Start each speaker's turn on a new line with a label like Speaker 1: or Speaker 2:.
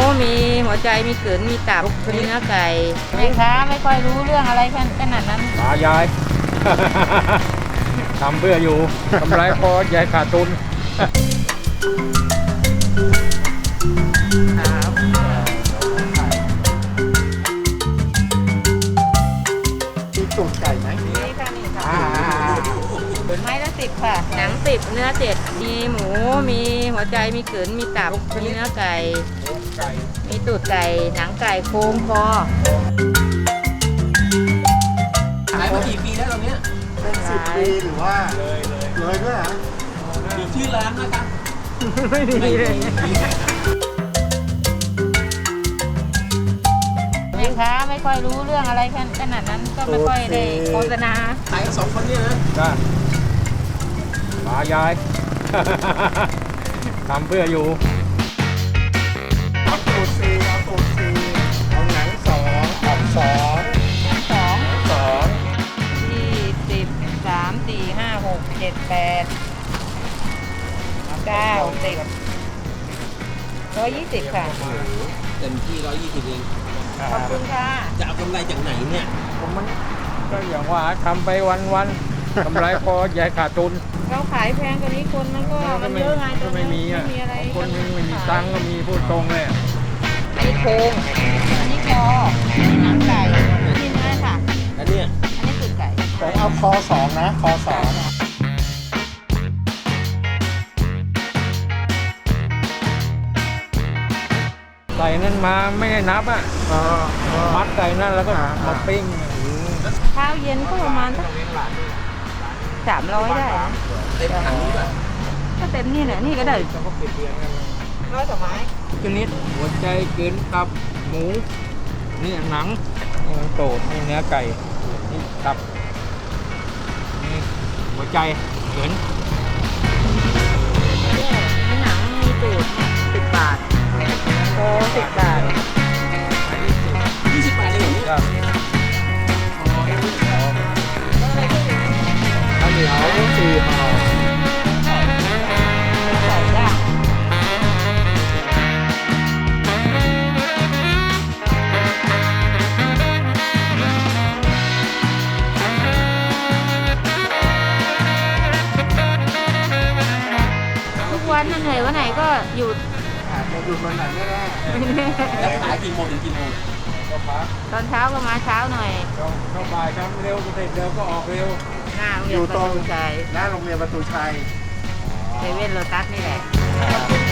Speaker 1: มีหัวใจมีกลืนมีตับมีเนื้อไก่แม่ค้าไม่ค่อยรู้เรื่องอะไรขนาดนั้น
Speaker 2: ตายาย ทำเพื่ออยู่กำไรพอยายขาดทุน
Speaker 3: มีตูดไก่ไหม
Speaker 1: นี่ค่ะนี่ค่ะไม้ละ10ค่ะหนัง10เนื้อ7มีหมูมีหัวใจมีกลืนมีตับมีเนื้อไก่มีตูดไก่หนังไก่โครงคอ
Speaker 4: ขายมากี่ปีแล้วตรงเนี้ย
Speaker 3: เป็น10 ปีหรือว่าเลยด้วยเหรอ
Speaker 4: มีชื่อร้านนะครับ
Speaker 1: ไม่มีเลยแม่ค้าไม่ค่อยรู้เรื่องอะไรขนาดนั้นก็ไม่ค่อยได้โฆษณา
Speaker 4: ขายกัน2 คนเนี่ยนะ
Speaker 2: จ้าตายาย ทำเพื่ออยู่
Speaker 3: เอาตูด4เอาตูด4เอาหนัง2ออก2
Speaker 1: 20 ค่ะ
Speaker 4: เต็มที่120เอง
Speaker 1: ขอบคุณค่ะ
Speaker 4: จะเอากำไรจากไหนเนี่ย
Speaker 2: ผมมันก็อย่างว่าทำไปวันๆ กำไรพอยายขาดทุน
Speaker 1: เราขายแพงกว่านี้คนมันเยอะไง
Speaker 2: ก็ไม่มีอ่ะ
Speaker 1: ไม่มีอะไร
Speaker 2: คนไม่มีตังค์ก็มีพูดตรงเลยอะ
Speaker 1: อันนี้โครงอันนี้คอหนังไก่อันนี้เนื้อค่ะ
Speaker 4: แล้วเนี่ย
Speaker 1: อันนี้ตูดไก่
Speaker 3: ผมเอาคอ2นะคอ2
Speaker 2: ใส่นั่นมาไม่ได้นับอ่ะมัดใส่นั่นแล้วก็มาปิ้ง
Speaker 1: เช้าเย็นก็ประมาณสัก300ได้นะ
Speaker 4: เต็มถังนี้ป่ะ
Speaker 1: ก็เต็มนี่แหละนี่ก็ได้ร้อยกว่าไม้
Speaker 2: ชนิดหัวใจเกินตับหมูนี่หนังนี่มันโตดนี่เนื้อไก่นี่ตับนี่หัวใจเกิน
Speaker 1: มีหนังมีตูด10 บาทโอ้10 บาท
Speaker 4: 20 บาทเองเหรอเนี่ย
Speaker 2: ก็ข้าวเหนียว4 ห่อ
Speaker 1: ใส่ย่างทุกวันนั่นเหนื่อยวันไหนก็หยุด
Speaker 3: อาจจะอยู่วันไหนไม่ได้
Speaker 4: แล้วขายกี่โมงถึงกี่โมง
Speaker 2: ก็พัก
Speaker 1: ตอนเช้าก็มาเช้าหน่อย
Speaker 2: เข้าบ่ายทำเร็วก็เสร็จเร็วก็ออกเร็ว
Speaker 1: หน้าโรง
Speaker 3: อ
Speaker 1: เรียน
Speaker 3: ยู่
Speaker 1: ป
Speaker 3: ต
Speaker 1: ระ
Speaker 3: รง
Speaker 1: ตูชัย
Speaker 3: หน้าโรงเรียนประตูชัย
Speaker 1: เซเว่นโลตัสนี่แหละ
Speaker 3: ขอบคุณ